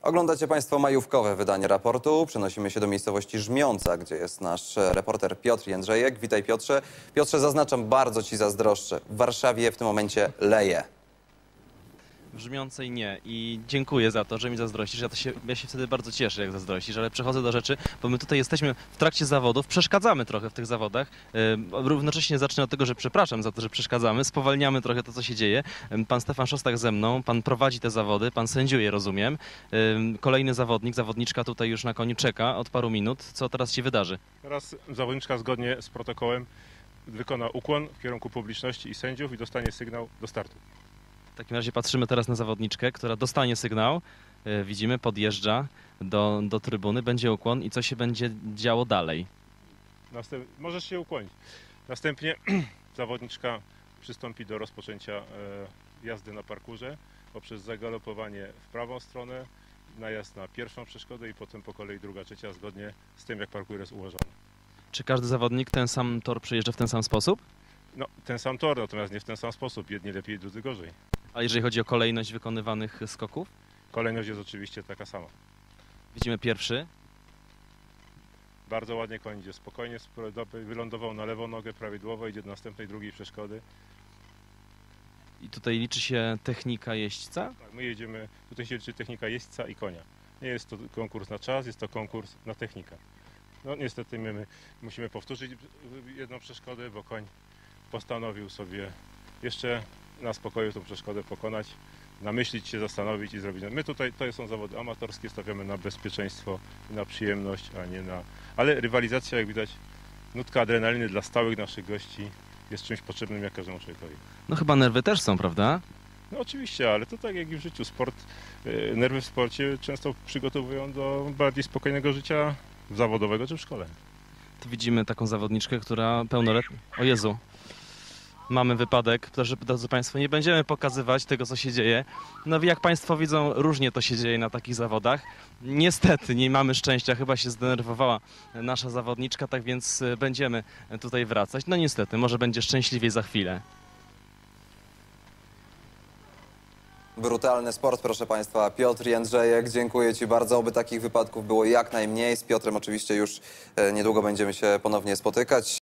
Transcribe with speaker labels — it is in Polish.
Speaker 1: Oglądacie Państwo majówkowe wydanie raportu. Przenosimy się do miejscowości Żmiąca, gdzie jest nasz reporter Piotr Jędrzejek. Witaj, Piotrze. Piotrze, zaznaczam, bardzo Ci zazdroszczę. W Warszawie w tym momencie leje.
Speaker 2: W Żmiącej nie i dziękuję za to, że mi zazdrościsz. Ja się wtedy bardzo cieszę, jak zazdrościsz, ale przechodzę do rzeczy, bo my tutaj jesteśmy w trakcie zawodów, przeszkadzamy trochę w tych zawodach. Równocześnie zacznę od tego, że przepraszam za to, że przeszkadzamy, spowalniamy trochę to, co się dzieje. Pan Stefan Szostak ze mną, pan prowadzi te zawody, pan sędziuje, rozumiem. Kolejny zawodnik, zawodniczka tutaj już na koniu czeka od paru minut. Co teraz się wydarzy?
Speaker 3: Teraz zawodniczka zgodnie z protokołem wykona ukłon w kierunku publiczności i sędziów i dostanie sygnał do startu.
Speaker 2: W takim razie patrzymy teraz na zawodniczkę, która dostanie sygnał. Widzimy, podjeżdża do trybuny, będzie ukłon i co się będzie działo dalej?
Speaker 3: Możesz się ukłonić. Następnie zawodniczka przystąpi do rozpoczęcia jazdy na parkurze poprzez zagalopowanie w prawą stronę, najazd na pierwszą przeszkodę i potem po kolei druga, trzecia, zgodnie z tym, jak parkour jest ułożony.
Speaker 2: Czy każdy zawodnik ten sam tor przejeżdża w ten sam sposób?
Speaker 3: No, ten sam tor, natomiast nie w ten sam sposób. Jedni lepiej, drudzy gorzej.
Speaker 2: A jeżeli chodzi o kolejność wykonywanych skoków?
Speaker 3: Kolejność jest oczywiście taka sama.
Speaker 2: Widzimy pierwszy.
Speaker 3: Bardzo ładnie koń idzie spokojnie, wylądował na lewą nogę prawidłowo, idzie do następnej, drugiej przeszkody.
Speaker 2: I tutaj liczy się technika jeźdźca?
Speaker 3: Tak, my jedziemy, tutaj się liczy technika jeźdźca i konia. Nie jest to konkurs na czas, jest to konkurs na technikę. No niestety my musimy powtórzyć jedną przeszkodę, bo koń postanowił sobie jeszcze na spokoju tą przeszkodę pokonać, namyślić się, zastanowić i zrobić. My tutaj, to są zawody amatorskie, stawiamy na bezpieczeństwo i na przyjemność, a nie na... Ale rywalizacja, jak widać, nutka adrenaliny dla stałych naszych gości jest czymś potrzebnym jak każdemu człowiekowi.
Speaker 2: No chyba nerwy też są, prawda?
Speaker 3: No oczywiście, ale to tak jak i w życiu. Nerwy w sporcie często przygotowują do bardziej spokojnego życia zawodowego czy w szkole.
Speaker 2: Tu widzimy taką zawodniczkę, która pełnoletnia... O Jezu! Mamy wypadek, drodzy Państwo, nie będziemy pokazywać tego, co się dzieje. No jak Państwo widzą, różnie to się dzieje na takich zawodach. Niestety nie mamy szczęścia, chyba się zdenerwowała nasza zawodniczka, tak więc będziemy tutaj wracać. No niestety, może będzie szczęśliwiej za chwilę.
Speaker 1: Brutalny sport, proszę Państwa. Piotr Jędrzejek, dziękuję Ci bardzo. Oby takich wypadków było jak najmniej. Z Piotrem oczywiście już niedługo będziemy się ponownie spotykać.